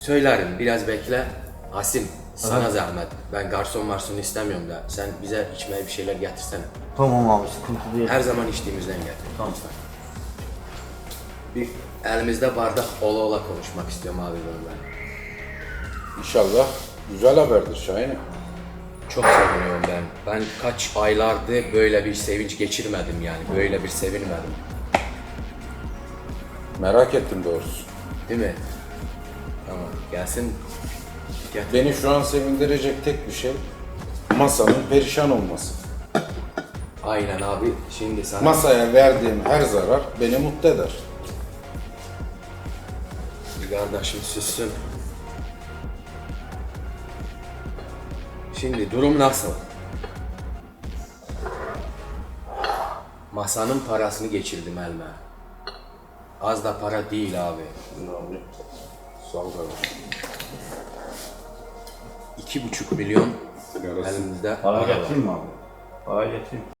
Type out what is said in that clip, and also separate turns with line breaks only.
Söylerim, biraz bekle. Asim, sana zahmet. Ben garson varsın istemiyorum da. Sen bize içmeye bir şeyler getirsene.
Tamam abi, sıkıntı değil.
Her zaman içtiğimizden getir.
Tamam.
Lütfen. Bir elimizde bardak ola ola konuşmak istiyorum abi ben.
İnşallah güzel haberdir Şahin'im.
Çok seviniyorum ben. Ben kaç aylardır böyle bir sevinç geçirmedim yani. Böyle bir sevinmedim.
Merak ettim doğrusu.
Değil mi? Tamam, gelsin. Getir.
Beni şu an sevindirecek tek bir şey masanın perişan olması.
Aynen abi. Şimdi sana...
Masaya verdiğim her zarar beni mutlu eder.
Bir kardeşim sussun. Şimdi durum nasıl? Masanın parasını geçirdim elime. Az da para değil abi.
Abi, sağ ol kardeşim.
2,5 milyon
Yarası.
elimizde
Para
para var.
getireyim mi abi? Para getireyim.